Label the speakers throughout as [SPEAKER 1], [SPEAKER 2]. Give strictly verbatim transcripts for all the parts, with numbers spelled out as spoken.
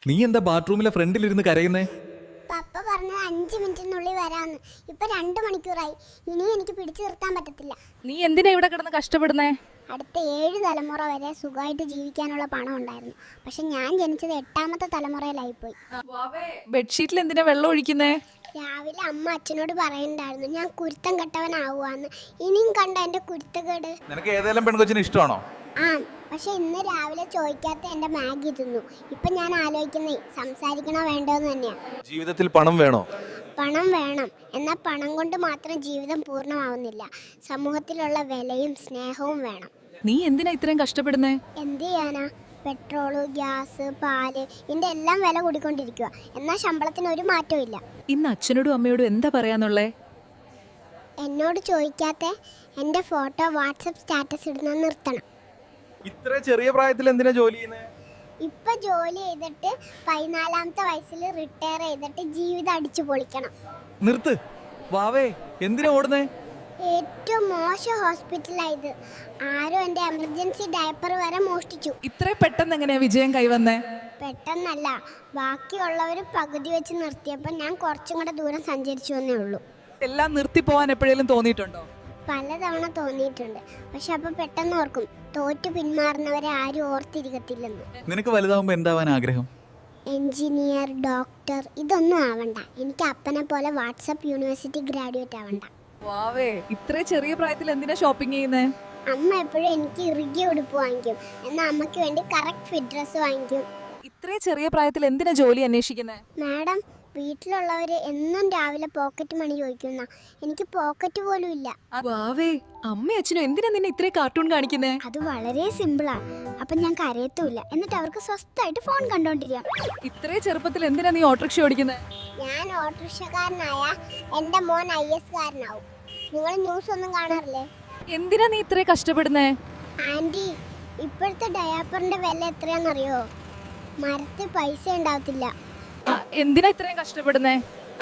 [SPEAKER 1] നീ എന്താ ബാത്റൂമിലെ ഫ്രണ്ടിലിരുന്ന് കരയുന്നേ?
[SPEAKER 2] പപ്പ പറഞ്ഞത് അഞ്ച് മിനിറ്റിനുള്ളിൽ വരാന്ന്. ഇപ്പൊ രണ്ടു മണിക്കൂറായി. ഇനി എനിക്ക് പിടിച്ചു നിർത്താൻ പറ്റത്തില്ല.
[SPEAKER 3] നീ എന്തിനാ ഇവിടെ കിടന്ന് കഷ്ടപ്പെടുന്നേ?
[SPEAKER 2] അടുത്ത ഏഴ് തലമുറ വരെ സുഖമായിട്ട് ജീവിക്കാനുള്ള പണം ഉണ്ടായിരുന്നു. പക്ഷെ ഞാൻ ജനിച്ചത് എട്ടാമത്തെ തലമുറയിലായിപ്പോയി.
[SPEAKER 3] ബെഡ്ഷീറ്റിൽ എന്തിനാ വെള്ളം ഒഴിക്കുന്നേ?
[SPEAKER 2] രാവിലെ അമ്മ അച്ഛനോട് പറയുന്നുണ്ടായിരുന്നു ഞാൻ കുരുത്തം കെട്ടവനാവുകയെന്ന്. ഇനിയും കണ്ട എൻ്റെ കുരുത്തക്കേട്.
[SPEAKER 1] നിനക്ക് ഏതെങ്കിലും പെൺകൊച്ചിന് ഇഷ്ടമാണോ?
[SPEAKER 2] ആ, പക്ഷെ ഇന്ന് രാവിലെ ചോദിക്കാത്ത എൻ്റെ മാഗി തിന്നു. ഇപ്പൊ ഞാൻ ആലോചിക്കുന്നേ സംസാരിക്കണോ വേണ്ടോന്ന് തന്നെയാണ്.
[SPEAKER 1] ജീവിതത്തിൽ പണം വേണോ?
[SPEAKER 2] പണം വേണം, എന്നാൽ പണം കൊണ്ട് മാത്രം ജീവിതം പൂർണ്ണമാവുന്നില്ല. സമൂഹത്തിലുള്ള വിലയും സ്നേഹവും വേണം.
[SPEAKER 3] നീ എന്തിനാ ഇത്രയും കഷ്ടപ്പെടുന്നേ?
[SPEAKER 2] എന്ത് ചെയ്യാനാ? പെട്രോള്, ഗ്യാസ്, പാല്, ഇതിൻ്റെ എല്ലാം വില കൂടിക്കൊണ്ടിരിക്കുക. എന്നാൽ ശമ്പളത്തിന് ഒരു മാറ്റവും ഇല്ല.
[SPEAKER 3] ഇന്ന് അച്ഛനോടും അമ്മയോടും എന്താ പറയാന്നുള്ളേ?
[SPEAKER 2] എന്നോട് ചോദിക്കാത്ത എൻ്റെ ഫോട്ടോ വാട്സപ്പ് സ്റ്റാറ്റസ് ഇടുന്നത് നിർത്തണം.
[SPEAKER 1] ഇത്ര ചെറിയ പ്രായത്തിൽ എന്തിനാ ജോലി ചെയ്യുന്നത്?
[SPEAKER 2] ഇപ്പം ജോലി ചെയ്തിട്ട് പതിനാലാമത്തെ വയസ്സിൽ റിട്ടയർ ചെയ്തിട്ട് ജീവിതം അടിച്ചു പൊളിക്കണം.
[SPEAKER 1] നിർത്ത് വാവേ, എന്തിനാ ഓടുന്നേ?
[SPEAKER 2] ഏറ്റവും മോശം ഹോസ്പിറ്റലായത്. ആരും എൻ്റെ എമർജൻസി ഡയപ്പർ വരെ മോഷ്ടിച്ചു.
[SPEAKER 3] ഇത്ര പെട്ടെന്ന് എങ്ങനെയാ വിജയം കൈവന്നേ?
[SPEAKER 2] പെട്ടെന്നല്ല, ബാക്കിയുള്ളവർ പകുതി വെച്ച് നിർത്തിയപ്പോൾ ഞാൻ കുറച്ചും കൂടെ ദൂരം സഞ്ചരിച്ചു എന്നേ ഉള്ളൂ.
[SPEAKER 3] എല്ലാം നിർത്തി പോവാൻ എപ്പോഴേലും തോന്നിയിട്ടുണ്ടോ?
[SPEAKER 2] പലതവണ തോന്നിയിട്ടുണ്ട്. പക്ഷെ അപ്പോൾ പെട്ടെന്ന് ഓർക്കും, തോറ്റു പിന്മാറുന്നവരെ ആരും ഓർത്തിരിക്കത്തില്ലെന്ന്.
[SPEAKER 1] നിനക്ക് വലുതാവുമ്പോ എന്താവാൻ ആഗ്രഹം?
[SPEAKER 2] എഞ്ചിനീയർ, ഡോക്ടർ, ഇതൊന്നും ആവണ്ട. എനിക്ക് അപ്പനെ പോലെ വാട്സപ്പ് യൂണിവേഴ്സിറ്റി ഗ്രാജുവേറ്റ് ആവണ്ട.
[SPEAKER 3] വാവേ, ഇത്ര ചെറിയ പ്രായത്തിൽ എന്തിനാ ഷോപ്പിംഗ് ചെയ്യുന്നേ?
[SPEAKER 2] അമ്മ എപ്പോഴും എനിക്ക് ഇറുകിയ ഉടുപ്പ് വാങ്ങിക്കും, എന്നാൽ അമ്മയ്ക്ക് വേണ്ടി കറക്റ്റ് ഫിറ്റ് ഡ്രസ്സ് വാങ്ങിക്കും.
[SPEAKER 3] ഇത്ര ചെറിയ പ്രായത്തിൽ എന്തിനാ ജോലി അന്വേഷിക്കുന്നേ?
[SPEAKER 2] മാഡം, വീട്ടിലുള്ളവർ എന്നും രാവിലെ പോക്കറ്റ് മണി ചോദിക്കുന്ന, എനിക്ക് പോക്കറ്റ് പോലും ഇല്ല.
[SPEAKER 3] വാവേ, അമ്മ അച്ഛനും എന്തിനാ നിന്നെ ഇത്രയും കാർട്ടൂൺ കാണിക്കുന്നേ?
[SPEAKER 2] അത് വളരെ സിമ്പിളാണ്. അപ്പം ഞാൻ കരയത്തുമില്ല, എന്നിട്ട് അവർക്ക് സ്വസ്ഥമായിട്ട് ഫോൺ കണ്ടോണ്ടിരിക്കാം.
[SPEAKER 3] ഇത്രയും ചെറുപ്പത്തിൽ എന്തിനാ നീ ഓട്ടോറിക്ഷ ഓടിക്കുന്നേ?
[SPEAKER 2] ഞാൻ ഓട്ടോറിക്ഷക്കാരനായ എൻ്റെ മോൻ ഐ എസ് കാരനാവും. നിങ്ങൾ ന്യൂസ് ഒന്നും കാണാറില്ലേ?
[SPEAKER 3] എന്തിനാ നീ ഇത്രയും കഷ്ടപ്പെടുന്നേ?
[SPEAKER 2] ആൻറ്റി, ഇപ്പോഴത്തെ ഡയാപ്പറിൻ്റെ വില എത്രയാണെന്നറിയോ? മരത്തിൽ പൈസ ഉണ്ടാവത്തില്ല.
[SPEAKER 3] ആ, എന്തിനാ ഇത്രയും കഷ്ടപ്പെടുന്നേ?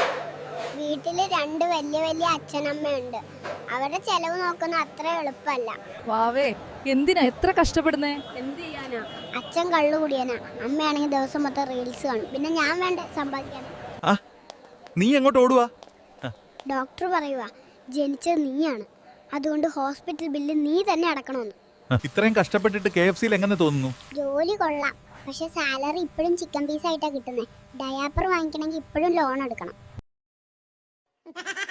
[SPEAKER 2] വീട്ടിൽ രണ്ട് വലിയ വലിയ അച്ഛനമ്മയുണ്ട്. അവരുടെ ചെലവ് നോക്കുന്ന അത്ര എളുപ്പമല്ല.
[SPEAKER 3] വാവേ, എന്തിനാ എത്ര കഷ്ടപ്പെടുന്നേ?
[SPEAKER 2] എന്ത് ചെയ്യാനാ? അച്ഛൻ കള്ളു കുടിയാനാ, അമ്മയാണെങ്കിൽ ദിവസം മൊത്തം റീൽസ് കാണും. പിന്നെ ഞാൻ വേണ്ട സമ്പാദിക്കാൻ.
[SPEAKER 1] ആ, നീ എങ്ങോട്ട് ഓടുവാ?
[SPEAKER 2] ഡോക്ടർ പറയുക, ജനിച്ചത് നീയാണ്, അതുകൊണ്ട് ഹോസ്പിറ്റൽ ബില്ല് നീ തന്നെ അടക്കണമെന്ന്.
[SPEAKER 1] ഇത്രയും കഷ്ടപ്പെട്ടിട്ട് കെ എഫ് സിയിൽ എങ്ങനെ തോന്നുന്നു?
[SPEAKER 2] ജോലി കൊള്ളാം, പക്ഷെ സാലറി ഇപ്പോഴും ചിക്കൻ പീസ് ആയിട്ടാണ് കിട്ടുന്നത്. ഡയാപ്പർ വാങ്ങിക്കണമെങ്കിൽ ഇപ്പോഴും ലോൺ എടുക്കണം.